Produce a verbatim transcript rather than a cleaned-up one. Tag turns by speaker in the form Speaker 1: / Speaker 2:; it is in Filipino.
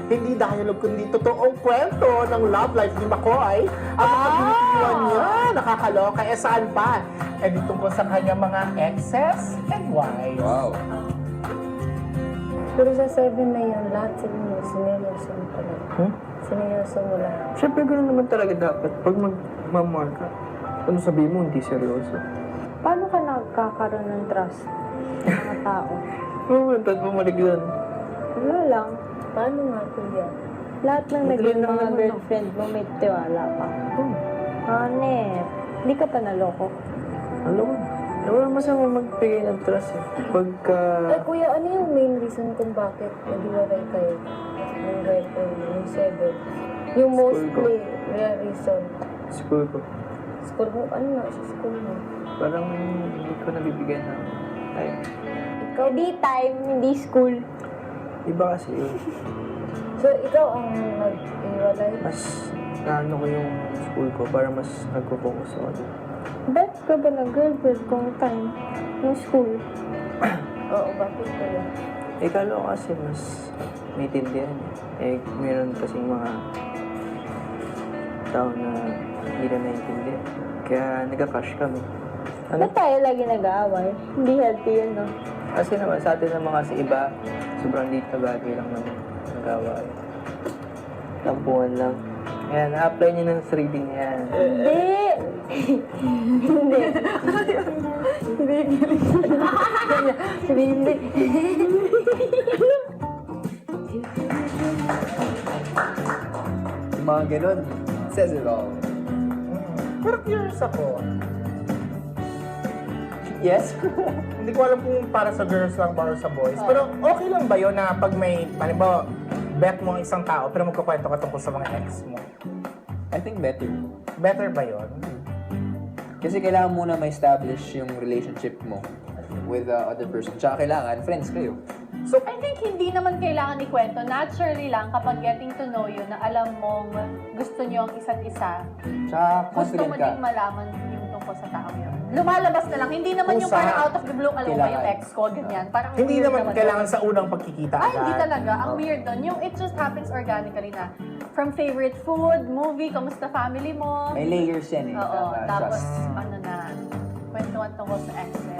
Speaker 1: hindi dialogue kundi totoong kwento ng love life ni McCoy. Ang mga binitiwan niya, nakakaloka. Eh saan pa? Eh di tungkol sa kanyang mga exes and wives.
Speaker 2: Wow.
Speaker 3: Pero sa seven na yun, lahat sila mo, sineryoso mo pala.
Speaker 4: Hmm?
Speaker 3: Sineryoso mo lahat.
Speaker 4: Siyempre, gano'n naman talaga dapat. Pag magmamahal ka, ano sabihin mo, hindi seryoso.
Speaker 3: Paano ka nagkakaroon ng trust ng mga tao?
Speaker 4: Oo, oh, tad bumalik doon.
Speaker 3: Wala lang. Paano nga, kuya? Lahat ng
Speaker 4: Madali
Speaker 3: naging
Speaker 4: lang
Speaker 3: mga
Speaker 4: naman,
Speaker 3: girlfriend mo, may tiwala pa.
Speaker 4: Hmm.
Speaker 3: Anet, hindi ka pa naloko.
Speaker 4: Alam mo, eh, wala masama magbigay ng trust eh. Pagka...
Speaker 3: Eh, kuya, ano yung main reason kung bakit naghiwalay kayo ng girlfriend mo, yung seven? Yung
Speaker 4: School
Speaker 3: mostly real reason.
Speaker 4: School ko.
Speaker 3: School mo, ano nga sa school mo?
Speaker 4: Parang hindi ko nabibigyan ng time.
Speaker 3: Ikaw, di time, hindi school.
Speaker 4: Iba kasi yun.
Speaker 3: So, ikaw ang nag-iwalay?
Speaker 4: Mas naano ko yung school ko para mas nagpo-focus ako doon.
Speaker 3: Bet ka ba ng girlfriend kung time yung school? Oo, bakit kaya?
Speaker 4: Eh, kala ko kasi mas may tindihan eh. Eh, meron kasing mga tao na hindi na naiintindihan. Kaya nagka-crush kami. Ano?
Speaker 3: Ba't tayo lagi nag-aaway? Hindi healthy yun, no?
Speaker 4: Kasi naman sa atin naman kasi iba, sobrang liit na bagay lang naman nagawa. Tampuhan lang. Ayan, na-apply niyo ng three D niya yan.
Speaker 3: Hindi! Hindi. Hindi. Sabi hindi.
Speaker 2: Yung mga ganun, says it all.
Speaker 1: Pero curious ako.
Speaker 2: Yes?
Speaker 1: Hindi ko alam kung para sa girls lang ba or sa boys. Pero okay lang ba yun na pag may, halimbawa, bet mo ang isang tao pero magkukwento ka tungkol sa mga ex mo?
Speaker 2: I think better.
Speaker 1: Better ba yun?
Speaker 2: Kasi kailangan muna ma-establish yung relationship mo with the other person. Tsaka kailangan, friends kayo.
Speaker 1: So,
Speaker 5: I think hindi naman kailangan ikwento. Naturally lang kapag getting to know you na alam mong gusto niyo ang isa't isa.
Speaker 2: Tsaka
Speaker 5: Gusto
Speaker 2: confident
Speaker 5: mo
Speaker 2: ka.
Speaker 5: ding malaman yung tungkol sa tao yun. Lumalabas na lang. Hindi naman yung
Speaker 1: Kung sa-
Speaker 5: parang out of the blue, alam mo ba yung
Speaker 2: Kailangan.
Speaker 5: ex ko, ganyan. Parang
Speaker 1: hindi
Speaker 5: weird
Speaker 1: naman kailangan
Speaker 5: yun.
Speaker 1: sa unang pagkikita
Speaker 5: Ay, hindi
Speaker 1: agad.
Speaker 5: talaga. Ang weird doon. Yung it just happens organically na from favorite food, movie, kamusta family mo.
Speaker 2: May layers yan eh.
Speaker 5: Oo.
Speaker 2: Tama,
Speaker 5: Tapos,
Speaker 2: trust.
Speaker 5: ano na, kwentuhan tungkol sa exes.